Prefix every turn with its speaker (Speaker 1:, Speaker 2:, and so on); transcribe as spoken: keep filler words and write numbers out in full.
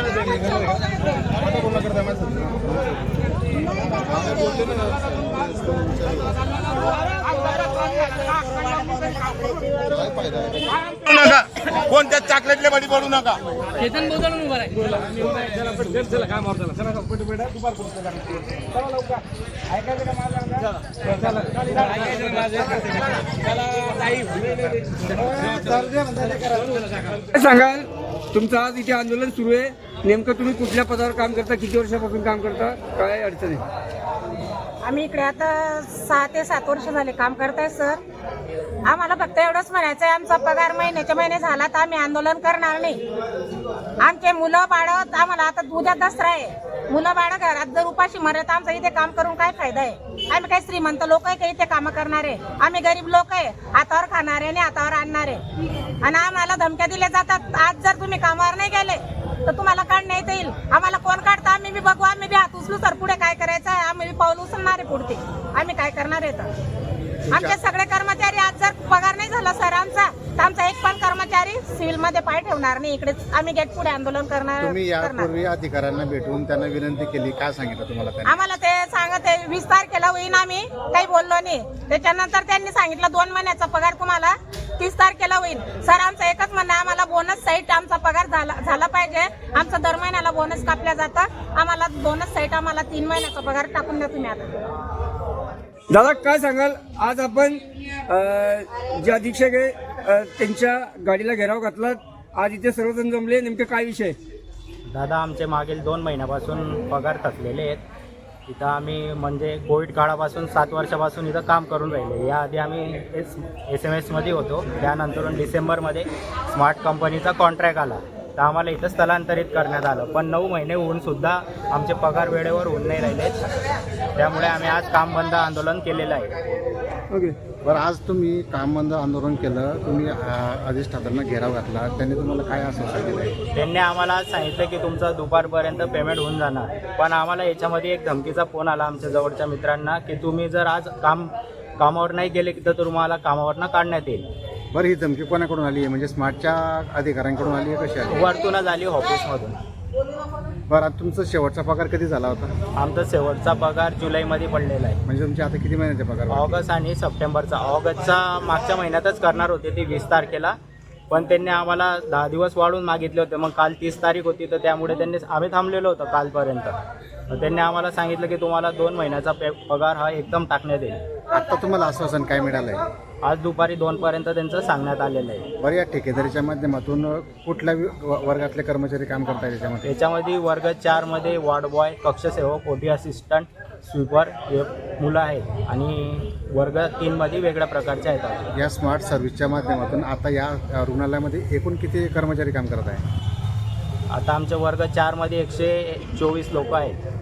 Speaker 1: कोणत्या चॉकलेटले बडी पडू नका.
Speaker 2: चेतन बोलतो उभा आहे.
Speaker 3: सांगाल तुमचं आज इथे आंदोलन सुरू आहे, नेमकं तुम्ही कुठल्या पदावर काम करता, किती वर्षापासून काम करता, काय अडचण आहे?
Speaker 4: आम्ही इकडे आता सहा ते सात वर्ष झाले काम करताय सर. आम्हाला फक्त एवढंच म्हणायचं आहे, आमचा पगार महिन्याच्या महिने झाला तर आम्ही आंदोलन करणार नाही. आमचे मुलं बाळं, आम्हाला आता उद्या दसरा आहे, मुलं बाळं घरात जर उपाशी मरत आमचं इथे काम करून काय फायदा आहे? आम्ही काही श्रीमंत लोक आहे का इथे काम करणारे? आम्ही गरीब लोक आहे, हातावर खाणारे आणि हातावर आणणारे. आणि आम्हाला धमक्या दिल्या जातात, आज जर तुम्ही कामावर नाही गेले तर तुम्हाला काढण्यात येईल. आम्हाला कोण काढतं आम्ही बी बघू, आम्ही बी हात उचलू सर. पुढे काय करायचं आहे आम्ही बी पाऊल उचलणार आहे पुढे. आम्ही काय करणार आहे तर आमचे सगळे कर्मचारी आज जर पगार नाही झाला सर आमचा, तर आमचा एक पण कर्मचारी सिव्हिल मध्ये पाय ठेवणार नाही. इकडे आम्ही गेट पुढे आंदोलन करणार.
Speaker 5: तुम्ही यापूर्वी अधिकाऱ्यांना भेटून त्यांना विनंती केली, काय सांगितलं तुम्हाला त्यांनी?
Speaker 4: आम्हाला ते सांगत आहे वीस तारखेला होईन, आम्ही काही बोललो नाही. त्याच्यानंतर त्यांनी सांगितलं दोन महिन्याचा पगार तुम्हाला तीस तारखेला होईल. सर आमचं एकच म्हणणं, आम्हाला बोनस साईट आमचा पगार झाला झाला पाहिजे. आमचं दर महिन्याला बोनस कापल्या जातं, आम्हाला बोनस साईट आम्हाला तीन महिन्याचा पगार टाकून द्या तुम्ही. आता
Speaker 3: दादा काय सांगाल, आज आपण जे अधीक्षक आहे त्यांच्या गाडीला घेराव घातला, आज इथे सर्वजण जमले, नेमके काय विषय?
Speaker 6: दादा आमचे मागील दोन महिन्यापासून पगार थकलेले आहेत. इथं आम्ही म्हणजे कोविड काळापासून सात वर्षापासून इथं काम करून राहिले. याआधी आम्ही एस एस एम एसमध्ये होतो, त्यानंतरून डिसेंबरमध्ये स्मार्ट कंपनीचा कॉन्ट्रॅक्ट आला तर आम्हाला इथं स्थलांतरित करण्यात आलं. पण नऊ महिने होऊनसुद्धा आमचे पगार वेळेवर होऊन नाही राहिलेत, त्यामुळे आम्ही आज काम बंद आंदोलन केलेलं आहे.
Speaker 3: ओके
Speaker 5: बरं, आज तुम्ही काम बंद आंदोलन केलं, तुम्ही अधिष्ठातांना घेराव घातला, त्यांनी तुम्हाला काय आश्वासन दिलं?
Speaker 6: त्यांनी आम्हाला आज सांगितलं की तुमचं दुपारपर्यंत पेमेंट होऊन जाणार. पण आम्हाला याच्यामध्ये एक धमकीचा फोन आला आमच्या जवळच्या मित्रांना की तुम्ही जर आज काम कामावर नाही गेले तर तुम्हाला कामावरनं काढण्यात येईल.
Speaker 5: बरं, ही धमकी कोणाकडून आली आहे? म्हणजे स्मार्टच्या अधिकाऱ्यांकडून आली आहे, कशी आली?
Speaker 6: वरतूनच आली ऑफिसमधून.
Speaker 5: बरं, आता तुमचा शेवटचा पगार कधी झाला होता?
Speaker 6: आमचा शेवटचा पगार जुलैमध्ये पडलेला आहे.
Speaker 5: म्हणजे तुमचे आता किती महिन्याचे पगार?
Speaker 6: ऑगस्ट आणि सप्टेंबरचा. ऑगस्टचा मागच्या महिन्यातच करणार होते ती वीस तारखेला, पण त्यांनी आम्हाला दहा दिवस वाढवून मागितले होते. मग काल तीस तारीख होती तर त्यामुळे त्यांनी आम्ही थांबलेलो होतो कालपर्यंत. त्यांनी आम्हाला सांगितलं की तुम्हाला दोन महिन्याचा पे पगार हा एकदम टाकण्यात येईल.
Speaker 5: आता तुम्हाला आश्वासन काय मिळालं आहे?
Speaker 6: आज दुपारी दोनपर्यंत त्यांचं सांगण्यात आलेलं आहे.
Speaker 5: बरं, या ठेकेदारीच्या माध्यमातून कुठल्या वर्गातले कर्मचारी काम करतात याच्यामध्ये?
Speaker 6: याच्यामध्ये वर्ग चारमध्ये वॉर्ड बॉय, कक्षसेवक, ओटी असिस्टंट, स्वीपर हे मुलं आहेत आणि वर्ग तीनमध्ये वेगळ्या प्रकारचे आहेत.
Speaker 5: या स्मार्ट सर्व्हिसच्या माध्यमातून आता या रुग्णालयामध्ये एकूण किती कर्मचारी काम करत आहे?
Speaker 6: आता आमच्या वर्ग चारमध्ये एकशे चोवीस लोक आहेत.